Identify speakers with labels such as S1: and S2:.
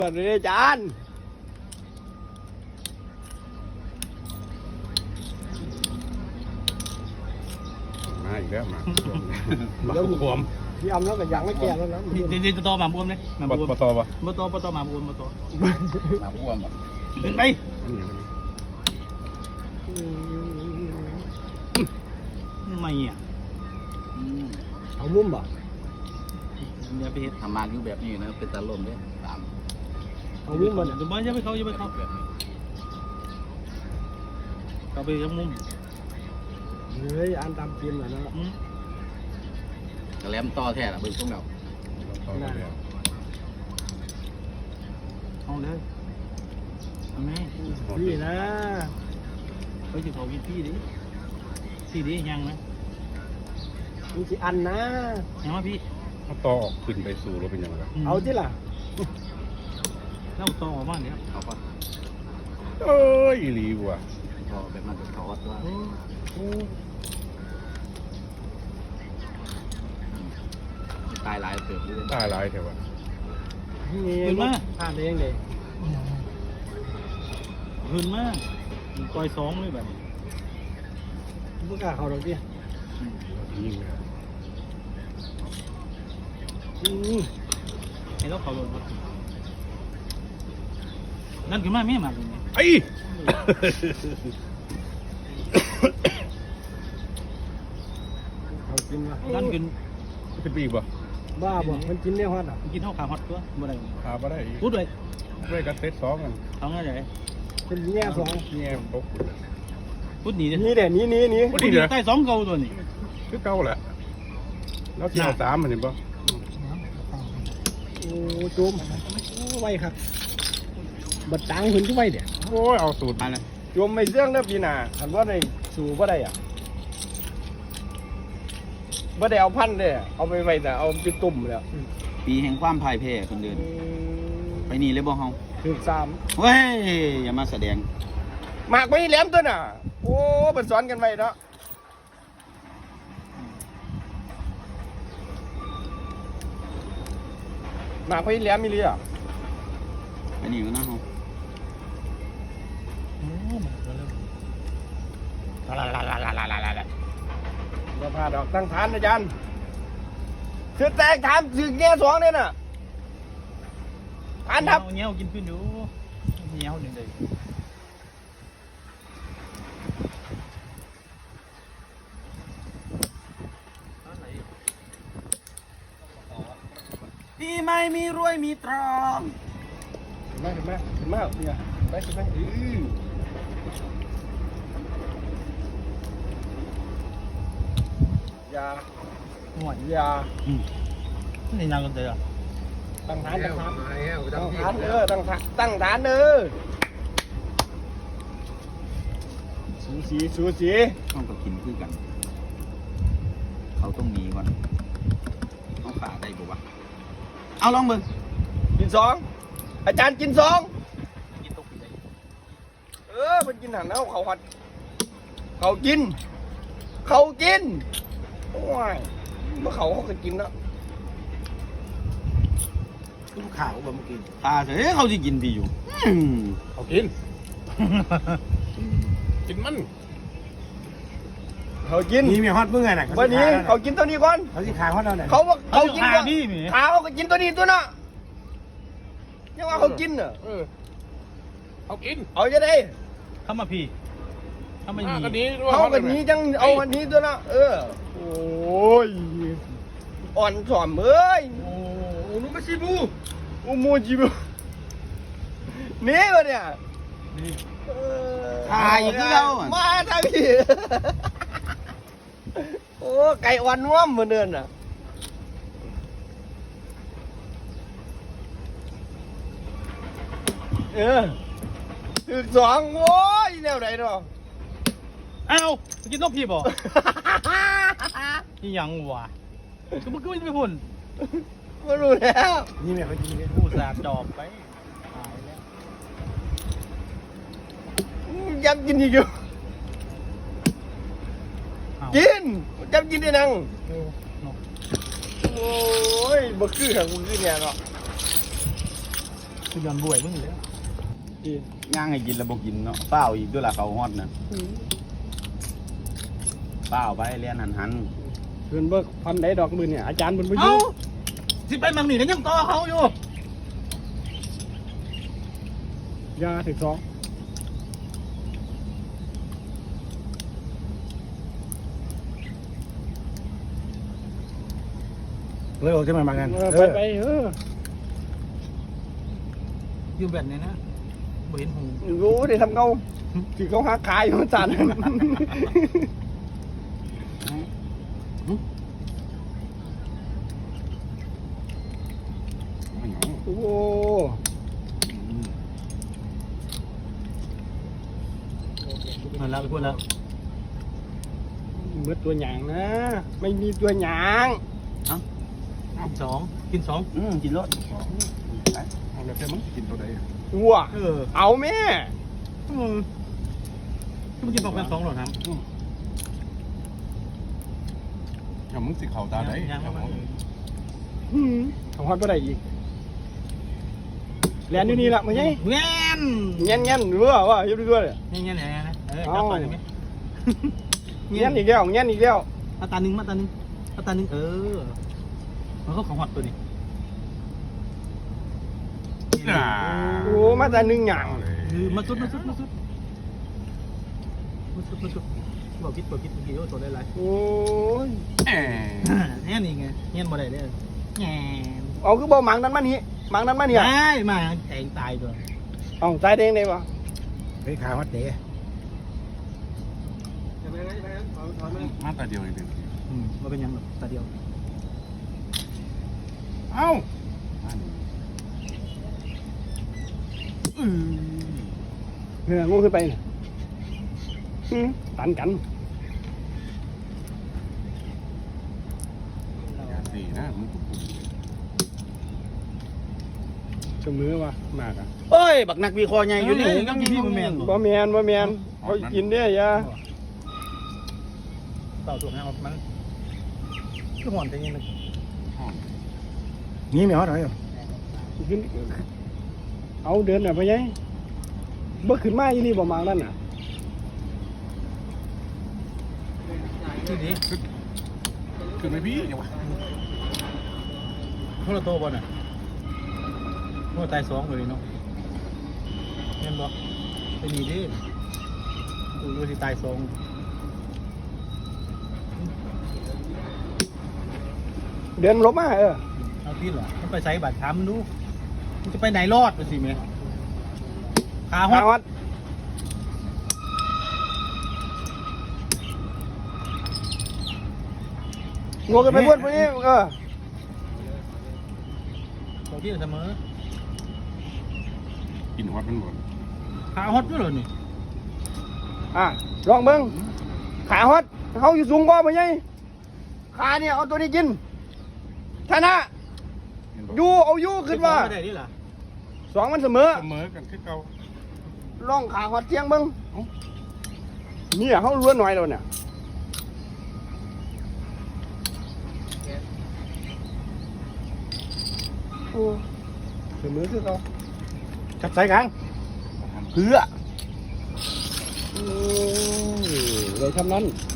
S1: สวัสดีอาจารย์
S2: มาอีกแล้วมา
S1: แล้วบวมพี่อำแล้วก็ยังไม่แก่แล้วนะ
S3: ดีๆตัวหมาบวมเลยหมาบวม
S2: ปตปะ
S3: ปตหมาบวมปต
S2: มาอ้วมอ่ะ
S3: ขึ้นไปไม่อ่ะ
S1: เอามุ้มบ่
S3: อย่าไปเห็ด
S4: ทำมาอยู่แบบนี้นะเป็นตาลมเนี่ยตาม
S1: เอามุ้มบ่
S3: ดูบ้านอย่าไปเขาอย่าไปเขา
S4: แบบนี้
S3: เขาไปยังมุม
S1: เฮ้ยอันตามเกมเหรอนะ
S4: กระแลมต่อแท้ละเบิ่งตรงเรา
S3: เอาเลยเอาไหม
S1: พี่นะ
S3: ไปถึงเขากินพี่ดิยังนะ
S1: มึงสิอันนะ
S3: ยังมาพี่
S2: เอาต่อออกขึ้นไปสู่รถเป็นยังไง
S1: เอาที่ล่ะ
S3: เล่าต่อมาเนี่ย
S4: เขาก็
S2: เอ้ยอีหลีว่ะ
S4: พอแบบมันจะทอดว่าตายหลายเติบเลย
S2: ตายหลายแถวะ
S1: นี่ผ่านเองเลย
S3: หืนมากต่อยสองเลยแบบนี้
S1: มึงกล้าเขาดอกดิ
S2: ยิงเลย
S3: ให้เราเขาลงนั่นคือมาไม่มาเลย
S2: ไอ้
S1: เขากินวะ
S3: นั่นคือ
S2: จะปีกบ่
S1: บ้าบ่มันกินได้ฮอดอ่ะ
S3: กินเท่าขาฮอตตัวบ่ได้
S2: พาไปได้อีก
S3: พูดเลย
S2: ด้วยกันเซตสองกัน
S3: เอาไงเลย
S1: เป็นแง่สอง
S2: แง่ตก
S3: พูดหนีเลย
S1: นี่เดี๋ยวนี้
S2: พูดดีเลย
S3: ใต้สองเกาตัวนี้
S2: คือเก่าแหละแล้วเกี่ยวสามมันเห็นปะ
S1: โอ้จุ่มไวครับบัดตังหุ่นที่ไวเดี๋ยว
S2: โอ้ยเอาสูตรมาเลย
S1: จุ่มไม่เสื่องเด้อพี่นาคันว่าได้สู่บ่ได้อ่ะบ่ได้เอาพันเด้อเอาไปไว้แต่เอาไปตุ่มแล้ว
S4: ปีแห่งความพ่ายแพ้คนเดินไปนี่เลยบ่เฮา
S1: ถึงสาม
S4: เว้ยอย่ามาแสดง
S1: หมากไม่แหลมตัวน่ะ โอ้เป็นสอนกันไว้เนาะหมากไม่แหลมมีเรือ
S4: ไปนี่ก็นะเฮา
S1: เราพาดอกตั้งฐานอาจารย์คือแตกฐานถึงแง่สองเนี่ยน่ะฐานทับ
S3: เงี้ยกินขึ้นอยู่เงี้ยหนึ่งเลย
S4: พี่ไม่มีรวยมีตรอง
S1: ถึงไหมเนี่ยไปถึงไหมยา
S3: ห่วย
S1: ยา
S3: นี่นางกันเถอะ
S1: ตั้งฐานตั้งฐานตั้งฐานสูสี
S4: ต้องก็กินคือกัน เขาต้องหนีก่อนต้องขาได้บ่วะเอาลองเบิ่ง
S1: กินสองอาจารย์กินสอง
S3: กินตกไปเลย
S1: มันกินหันเอาเขาหัดเขากินโอ้ยเมื่อเขาก็กินแล้ว
S3: ลูกข่าวแบบเมื่อกี้
S4: ขาเถอะเขาสิกินพี่อยู่
S2: เอากิน กินมัน
S1: เขากิน
S5: นี่มีฮอตเมื่อไงน่ะ
S1: วันนี้เขากินตัวนี้ก่อน
S5: เขาสิขายฮอตเราเนี่ย
S1: เขากิน
S3: ขาพี่มี
S1: ขาเขาก็กินตัวนี้ตัวน่ะยังว่าเขากินเนอะ
S2: เอากิน
S1: เอาจะได้
S3: เข้ามาพี่เข้ามา
S2: ก็
S3: มี
S2: ดี
S1: เขากันนี้จังเอาอันนี้ตัวน่ะโอ้ยอ่อนสอมเอ้ย
S2: โอ้ลูกมาชิบู
S1: อุโมจิบุนี่วะเนี่ย
S4: ถ่ายอยู่คือเราอะ
S1: มาทางพี่โอ้ไก่อ่อนว่ำเหมือนเดิมน่ะถึงสองโอ้ยแนวไหนเนาะ
S3: อ้าวกินนกพี่บ่นี่ยังวะก็มันก็ไม่ไปพุ่น
S1: ไม่รู้แล้ว
S5: นี่แม่เขากินเนี่ย
S3: ผู้สาดจอบไปตายแล้ว
S1: ยังกินอีกอยู่กินยังกินได้นังโอ้ยบ่คือของมึงคือเนี่ยเนาะ
S3: คือยอนบวยมึงเลย
S4: ย่างให้กินแล้วบ่กินเนาะเปล่าอีกด้วยล่ะเขาฮอดนะเปล่าไปเรียนหัน
S2: เพื่อนเบิกพันได้ดอกมือเนี่ยอาจารย์มันไปยุ่
S3: เอ้าง สิไปมังนี่กันยังต่อเขาอยู่
S2: ยาถึงสอง
S5: เลยออกจะมากัน
S2: ไปเออ
S3: อยู่แบบนี้นะบ่เห็นหง
S1: รู้ได้ทำเขาที่เขาหาขายอยู่จาน
S2: โอ้
S3: มาแล้วไปพูดแล้ว
S2: เมื่อตัวหยางนะ ไม่มีตัวหยาง
S3: กินสองกินสอง
S4: กินรถ
S2: เอาแล้วแต่มึงกินตัวใด
S1: วัว เอาแม่
S3: ที่มันกินสองเป็นสองหรอครับ
S2: อย่ามึงสิเข่าตาได้
S3: ยังไม่มา
S2: ของฮอดบ่ได้อีกแลนอยู่นี่ละมึงไง
S3: เงี้ย
S1: เงี้ยเงี้ยรู้ว่าอยู่ด้วย
S3: เงี้ยไหนนะจับไปได้ไหม
S1: เงี้ยอีกแล้วเงี้ยอีกแล้ว
S3: มาตาหนึ่งมันก็ของหอดตัวนี้
S1: โอ้มาแต่หนึ่งอย่าง
S3: มาสุดบอกคิดเมื่อกี้ว่าตัวได้ไร
S1: โอ้ย
S3: เนี่ยนี่ไงเงี้ยบ่ได้เลยแง่
S1: เอาคือบ่หมังนั้นมานี่หมังนั้นมาเนี่ย
S3: ได้มาแทงตายตัว
S1: เอาตายเด้งได้ปะ
S5: ไปขาวัดเด๋
S2: มาตาเดียวเอง
S3: มาเป็นยังตาเดียว
S2: เอ้า
S1: เนี่ยงูขึ้นไปตันกัน
S2: สี่นะมึง
S1: เสมอวะมากอ่ะ
S4: เอ้ยบักนักวิเคราะห์ใหญ่อยู่นี่
S3: ก็มีพี่มันแมน
S1: บ่แมนเขากินได้ยา
S3: เต่าตัวนี้มันคือหอนแต่ยัง
S5: นี่ไม่ฮอดหน่อย
S1: กินเอาเดินน่ะไปยัยบ่ขึ้นมาอีนี่บ่หมังนั่นน่ะ
S3: ที่นี้
S2: คือไม่พี่ยังวะ
S3: พวกเราโตบ่น่ะพวกตายสองเลยเนาะเห็นบ่เป็นนี่ดิดูที่ตายสอง
S1: เดินลบมา
S3: เอาที่เหรอมันไปใส่บัตรถามมันดูมันจะไปไหนรอดไปสิเมย์ขาฮ
S1: ขา
S3: อ
S1: วั
S3: ด
S1: ดงูกันไปบนพวกนี้
S3: ตัวที่เสมอ
S2: กินฮอดมันหมด
S3: ขาฮอดด้วยเหรอนี่
S1: ลองเบิ้งขาฮอดเขาอยู่สูงกว่าไปยัยขาเนี่ยเอาตัวนี้กินชนะเอาอยู่ขึ้นว่า
S3: ไม่ได้ดิล่ะ
S1: สองมันเสมอ
S2: เสมอกันคือเก่า
S1: ล่องขาฮอดเทียงเบิ้งเนี่ยเขาล้วนหน่อยแล้วเนี่ยเสมอคือเขา
S5: จับใส่กลาง
S4: เพื่อ
S1: เลยทำนั้น